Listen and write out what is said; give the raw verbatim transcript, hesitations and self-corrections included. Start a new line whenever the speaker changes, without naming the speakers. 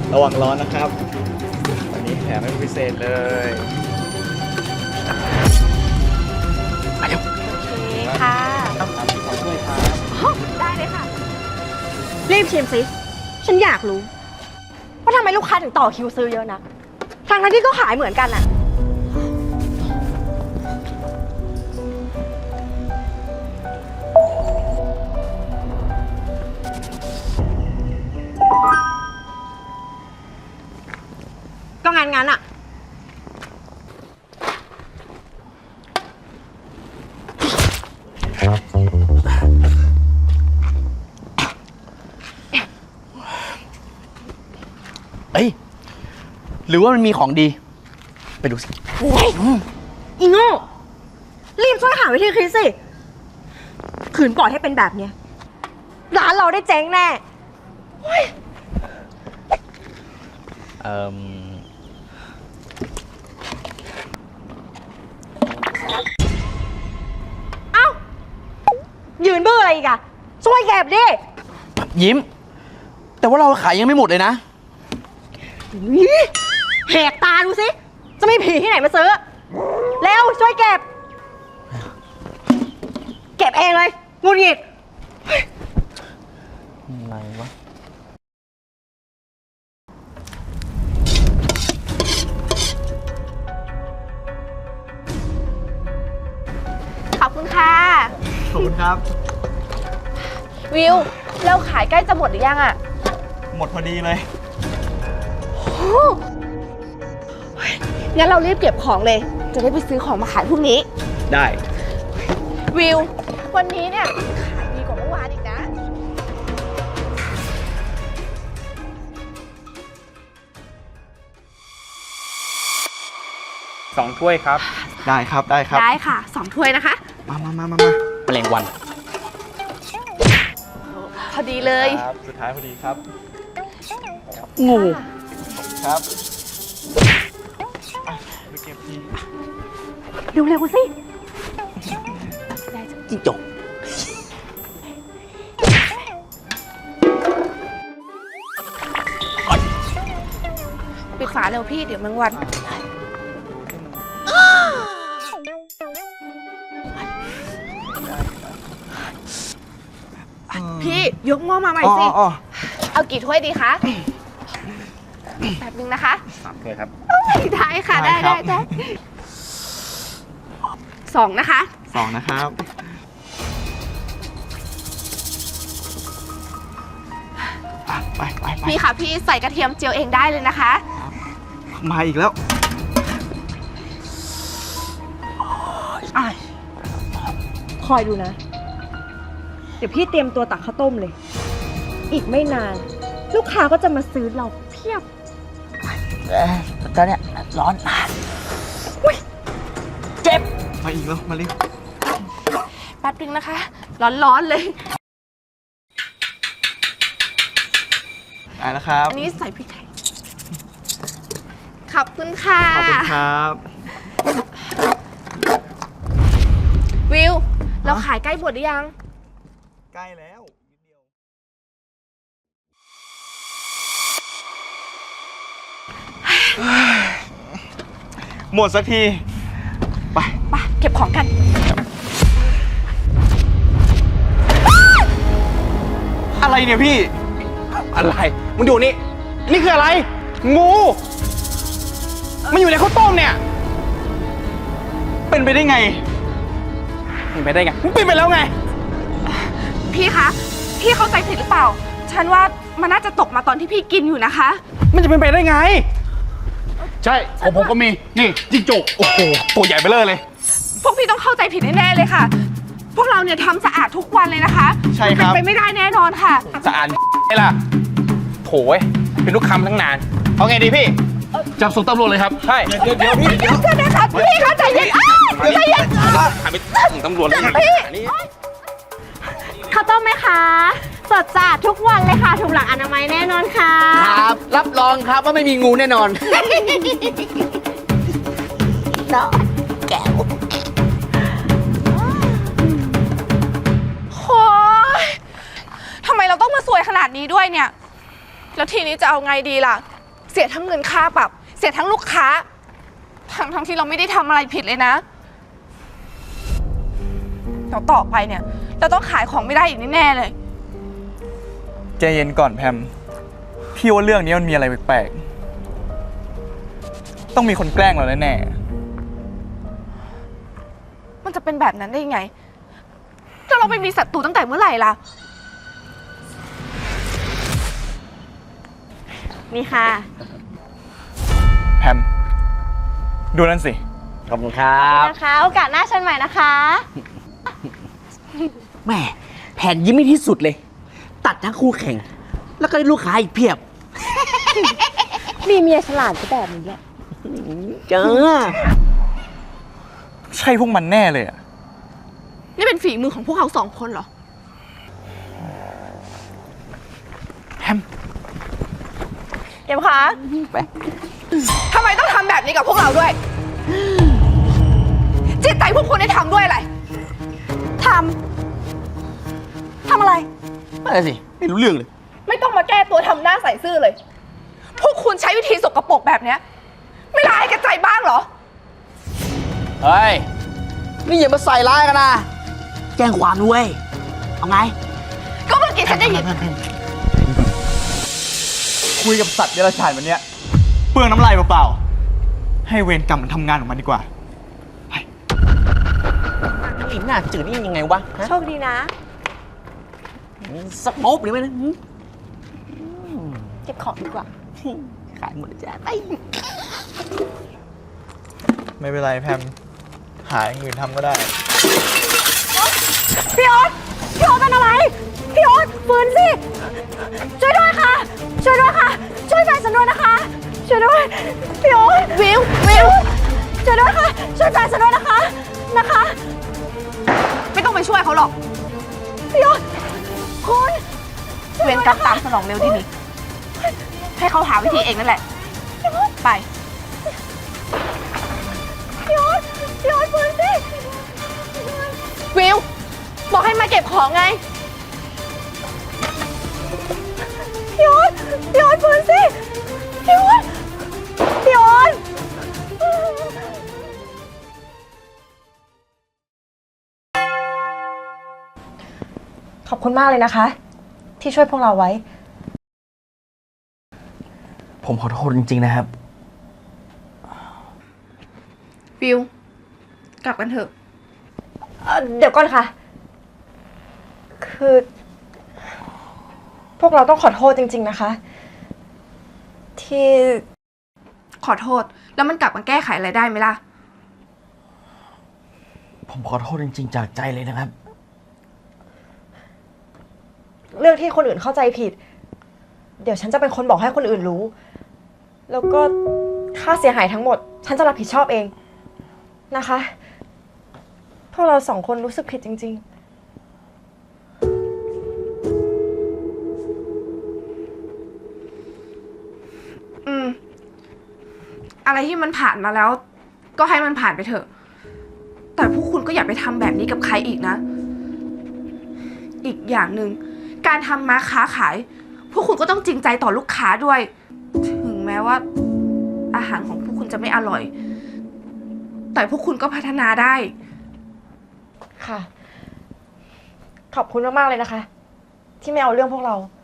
ระวังร้อนนะครับวันนี้แถมให้พิเศษเลยไปเร็ว
โอเคค่ะ
ครับตามที่ขอช่วยครับ
ได้เลยค่ะ รีบชิมสิ ฉันอยากรู้ ว่าทำไมลูกค้าถึงต่อคิวซื้อเยอะนะทางนั้นที่ก็ขายเหมือนกันอะก็งานงั้นอะ
เอ้ยหรือว่ามันมีของดีไปดูสิ
โอ้ยอีโง่รีบช่วยหาวิธีคิดสิขืนปล่อยให้เป็นแบบเนี้ยร้านเราได้เจ๊งแน่
เอ่อ
เอ้า ยืนเบื่ออะไรอีกอะช่วยเก็บดิ
ยิ้ม แต่ว่าเราขายยังไม่หมดเลยนะ
แหกตาดูสิ จะมีผีที่ไหนมาซื้อ เร็ว ช่วยเก็บ เก็บเองเลยงุนหงิด
อะไรวะ
ขอบคุณค่ะ
ขอบคุณครับ
วิวเราขายใกล้จะหมดหรือยังอะ
หมดพอดีเลย
งั้นเรารีบเก็บของเลย จะได้ไปซื้อของมาขายพรุ่งนี้
ได้
วิว วันนี้เนี่ยขายดีกว่าเมื่อวานอีกนะ
สองถ้วยครับ ได้ครับได้ครับ
ได้ค่ะสองถ้วยนะคะ
มามามามามา
แมลงวัน
พอดีเลย
ครับสุดท้ายพอดีครับ
งู
ครับอ่ะไปเก็บที
เร็วๆสิ
จิ้งจก
ปิดฝาเร็วพี่เดี๋ยวแมงวัน พี่ยกหม้อมาใหม่
อ๋อ
สิ
อ๋อ
เอากี่ถ้วยดีคะแป๊บนึงนะคะ
สามถ้วยครับ
ได้ค่ะ
ได้
ได้
ครั
ได้
บ
ได้สองนะคะ
สองนะครับอ่ะไปไปไป
พี่ค่ะพี่ใส่กระเทียมเจียวเองได้เลยนะคะ
มาอีกแล้ว
คอยดูนะ เดี๋ยวพี่เตรียมตัวตักข้าวต้มเลย อีกไม่นาน ลูกค้าก็จะมาซื้อเราเพียบ
เอ้ยตอนเนี้ยร้อนเจ็บ
มาอีกแล้ว มาเร็ว
แป๊บนึงนะคะ ร้อนๆเลย
ได้แล้วครับ
อันนี้ใส่พริกไทยขอบคุณค่ะ
ขอบคุณครับ
วิว เราขายใกล้หมดหรือยัง
ใกล้แล้วนิดเดียวหมดสักที ไป
ไปเก็บของกัน
อะไรเนี่ยพี่
อะไรมึงดูนี่ นี่คืออะไร งู มันอยู่ในข้าวต้มเนี่ย
เป็นไปได้ไง
เป็นไปได้ไงมันเป็นไปแล้วไง
พี่คะ พี่เข้าใจผิดหรือเปล่า ฉันว่ามันน่าจะตกมาตอนที่พี่กินอยู่นะคะ
มันจะเป็นไปได้ไง ใช่ของผมก็มี นี่จิ้งจก โอ้โห ตัวใหญ่ไปเลยเลย
พวกพี่ต้องเข้าใจผิดแน่ๆเลยค่ะ พวกเราเนี่ยทำสะอาดทุกวันเลยนะคะ
ใช่ครับ
เป็นไปไม่ได้แน่นอนค่ะ
สะอาดไงล่ะโถยเป็นลูกค้าตั้งนาน เอาไงดีพี่ จับส่งตำรวจเลยครับ ใช่
เดี๋ยวเดี๋ยวพี่
เดี๋ยวเดี๋ยวนะคะพี่คะใจเย็นอ้าวใจเย็น
หาไปส่งตำรวจเลย
พี่
นี่
ข้าวต้มไหมคะสดสะอาดทุกวันเลยค่ะถูกหลักอนามัยแน่นอนค่ะ
ครับ รับรองครับว่าไม่มีงูแน่นอน
เนาะแก้วโอ้ยทำไมเราต้องมาสวยขนาดนี้ด้วยเนี่ย แล้วทีนี้จะเอาไงดีล่ะ
สียทั้งเงินค่าปรับ เสียทั้งลูกค้า ทั้งทั้งที่เราไม่ได้ทำอะไรผิดเลยนะเดี๋ยวต่อไปเนี่ยเราต้องขายของไม่ได้อีกแน่ๆเลย
ใจเย็นก่อนแพมพี่ว่าเรื่องนี้มันมีอะไรแปลกๆต้องมีคนแกล้งเราแน่
มันจะเป็นแบบนั้นได้ยังไงถ้าเราไปมีศัตรูตั้งแต่เมื่อไหร่ล่ะ
นี่ค่ะ
ๆแพมดูนั่นสิ
ขอบคุณครับ
นะคะ โอกาสหน้าเชิญใหม่นะคะ
แหม่แผนยิ้มไม่ที่สุดเลย ตัดทั้งคู่แข่ง แล้วก็ได้ลูกค้าอีกเพียบ
มีเมียฉลาดก็แบบนี้แหละ
เจอ
ใช่พวกมันแน่เลยอะ
นี่เป็นฝีมือของพวกเขาสองคนเหรอ
แพม
เก็บขา
ไป
ทำไมต้องทำแบบนี้กับพวกเราด้วย จิตใจพวกคุณได้ทำด้วยอะไร
ทำ ทำอะไร
ไม่ได้สิ ไม่รู้เรื่องเลย
ไม่ต้องมาแก้ตัวทำหน้าใส่ซื่อเลย พวกคุณใช้วิธีสกปรกแบบเนี้ยไม่ร้ายกระใจบ้างเหรอ
เฮ้ย นี่อย่ามาใส่ร้ายกันนะ แจ้งความด้วย เอาไง
ก็เมื่อกี้ฉันได้ยิน
คุยกับสัตว์เดรัจฉานวันเนี้ยเปลืองน้ำลายเปล่าๆให้เวรกรรมมันทำงานของมันดีกว่า
ไอ้หน้าจืดนี่ยังไงวะฮะ
โชคดีนะ
สักโป๊บหรือไม่นะ
เก็บของดีกว่า
ขายหมดเลยจ้ะไป
ไม่เป็นไรแพมหาอย่างอื่นทำก็ได้
พี่โอ๊ตพี่โอ๊ตเป็นอะไร พี่โอ๊ตฟื้นสิ ช่วยด้วยค่ะ ช่วยด้วยค่ะ ช่วยแฟนฉันด้วยนะคะ ช่วยด้วย พี่โอ๊ตวิว วิว ช่วยด้วยค่ะ ช่วยแฟนฉันด้วยนะคะ นะคะ
ไม่ต้องไปช่วยเขาหรอก
พี่โอ๊ตคุณ
เวรกรรมตามสนองเร็วที่นี่ให้เขาหาวิธีเองนั่นแหละ ไป
พี่โอ๊ตพี่โอ๊ตฟื้นสิ
วิว บอกให้มาเก็บของไง
พี่โอ๊ตพี่โอ๊ตฟื้นสิ พี่โอ๊ตพี่โอ๊ตขอบคุณมากเลยนะคะ ที่ช่วยพวกเราไว้
ผมขอโทษจริงๆนะครับ
วิว กลับกันเถอะ
เอ่อเดี๋ยวก่อนค่ะ คือ พวกเราต้องขอโทษจริง ๆนะคะ ที่
ขอโทษ แล้วมันกลับมาแก้ไขอะไรได้ไหมล่ะ
ผมขอโทษจริงๆจากใจเลยนะครับ
เรื่องที่คนอื่นเข้าใจผิด เดี๋ยวฉันจะเป็นคนบอกให้คนอื่นรู้ แล้วก็ค่าเสียหายทั้งหมด ฉันจะรับผิดชอบเองนะคะ พวกเราสองคนรู้สึกผิดจริง
อืม อะไรที่มันผ่านมาแล้ว ก็ให้มันผ่านไปเถอะ แต่พวกคุณก็อย่าไปทำแบบนี้กับใครอีกนะ อีกอย่างหนึ่งการทำมาค้าขาย พวกคุณก็ต้องจริงใจต่อลูกค้าด้วย ถึงแม้ว่า อาหารของพวกคุณจะไม่อร่อย แต่พวกคุณก็พัฒนาได้
ๆ ค่ะ ขอบคุณมากๆเลยนะคะ ที่ไม่เอาเรื่องพวกเรา